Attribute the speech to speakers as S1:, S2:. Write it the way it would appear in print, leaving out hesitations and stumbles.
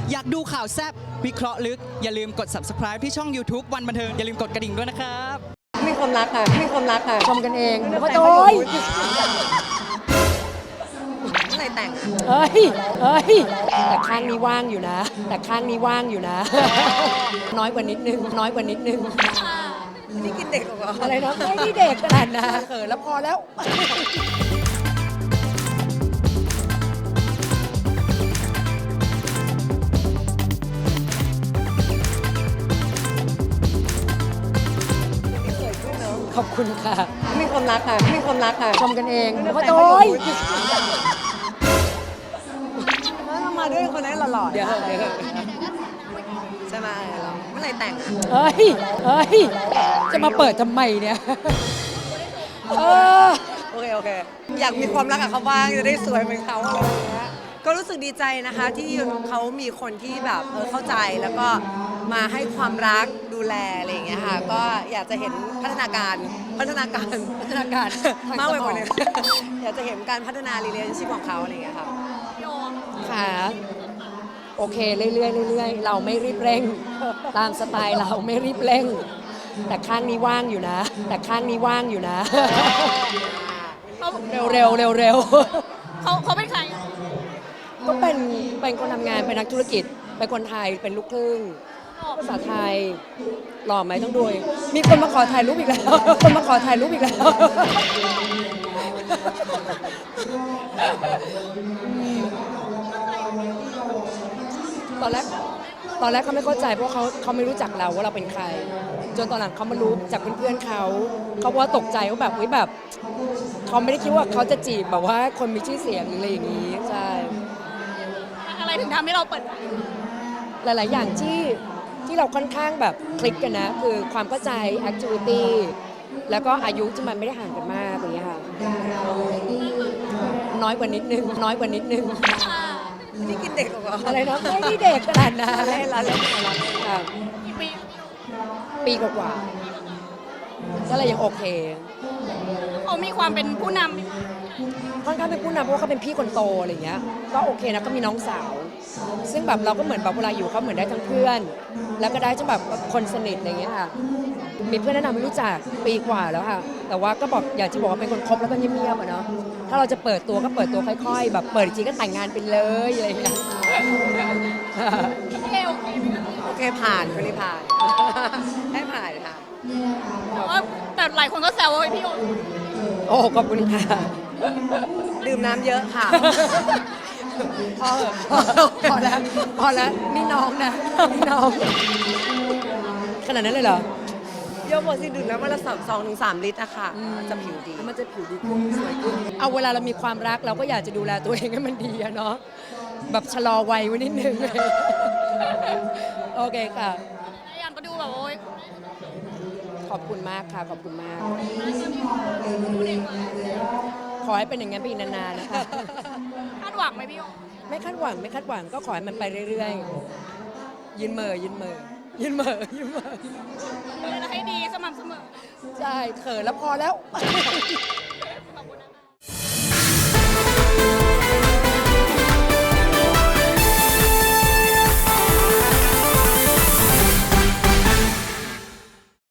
S1: อยากดูข่าวแซ่บวิเคราะห์ลึกอย่าลืมกด subscribe ที่ช่อง YouTube วันบันเทิงอย่าลืมกดกระดิ่งด้วยนะครับ
S2: มีความรักค่ะชมกันเองว่าโดยเมื่อไหร่แต่งเฮ้ยแต่ข้างนี้ว่างอยู่นะ น้อยกว่านิดนึงนี่กินเด็กเหรออะไรนะไม่ได้เด็กขนาดนะเขินแล้วพอแล้วขอบคุณค่ะมีความรักค่ะชมกันเองว่าโดยมาด้วยคนนั้นหล่อๆเดี๋ยวใช่ไหมเมื่อไหร่แต่งเฮ้ยจะมาเปิดทำไมเนี่ยโอเคอยากมีความรักกับเขาบ้างจะได้สวยเหมือนเขาอะไรอย่างเงี้ยก็รู้สึกดีใจนะคะที่เขามีคนที่แบบเข้าใจแล้วก็มาให้ความรักดูแลอะไรอย่างเงี้ยค่ะก็อยากจะเห็นพัฒนาการมากไปกว่านี้อยากจะเห็นการพัฒนา relationship ของเขาอะไรอย่างเงี้ยค่ะค่ะโอเคเรื่อยๆเราไม่รีบเร่งตามสไตล์เราไม่รีบเร่งแต่ข้างนี้ว่างอยู่นะเร็ว
S3: เขาเป็นใคร
S2: ก็เป็นคนทำงานเป็นนักธุรกิจเป็นคนไทยเป็นลูกครึ่งภาษาไทยหล่อไหมต้องดูมีคนมาขอถ่ายรูปอีกแล้วตอนแรกเขาไม่เข้าใจเพราะเขาไม่รู้จักเราว่าเราเป็นใครจนตอนหลังเขามารู้จากเพื่อนๆเขาว่าตกใจว่าแบบเขาไม่ได้คิดว่าเขาจะจีบแบบว่าคนมีชื่อเสียงหรืออะไรอย่างนี้ใช่
S3: อะไรถึงทำให้เราเปิด
S2: หลายๆอย่างที่เราค่อนข้างแบบคลิกกันนะคือความเข้าใจ activity แล้วก็อายุที่มันไม่ได้ห่างกันมากอย่างเงี้ยค่ะน้อยกว่านิดนึงนี่กินเด็กเหรออะไรนะไม่ได้เด็กขนาดนั้นเล่นค่ะปีกว่าก็เลยยังโอเค
S3: เขามีความเป็นผู้น
S2: ำค่อนข้างเป็นผู้นำเพราะว่าเขาเป็นพี่คนโตอะไรอย่างเงี้ยก็โอเคนะก็มีน้องสาวซึ่งแบบเราก็เหมือนแบบเวลาอยู่เขาเหมือนได้ทั้งเพื่อนแล้วก็ได้ทั้งแบบคนสนิทอะไรอย่างเงี้ยค่ะมีเพื่อนแนะนำให้รู้จักปีกว่าแล้วค่ะแต่ว่าก็บอกอยากจะบอกว่าเป็นคนคบแล้วก็เงียบๆอ่ะเนาะถ้าเราจะเปิดตัวก็เปิดตัวค่อยๆแบบเปิดจริงก็แต่งงานไปเลยอะไรอย่างเงี้ยโอเคผ่านคนนี้ผ่านให้ผ่านค่ะ
S3: แต่หลายคนก็แซวว่าพี่
S2: โอ้ขอบคุณค่ะดื่มน้ำเยอะค่ะพอแล้วนี่น้องขนาดนั้นเลยเหรอเยอะหมดสิดื่มน้ำวันละ2-3 ลิตรอะค่ะจะผิวดีมันจะผิวดีขึ้นสวยขึ้นเอาเวลาเรามีความรักเราก็อยากจะดูแลตัวเองให้มันดีอะเนาะแบบชะลอวัยไว้นิดนึงโอเคค่ะ
S3: ยันก็ดูแบบโอ๊ย
S2: ขอบคุณมากค่ะขอบคุณมากขอให้เป็นอย่างนั้นไปอีกนานๆนะคะ
S3: คาดหวังไหมพี่
S2: ไม่คาดหวังก็ขอให้มันไปเรื่อยๆยืนเหม่อ
S3: ให้ดีสม่ำเสมอ
S2: ใช่เขินแล้วพอแล้ว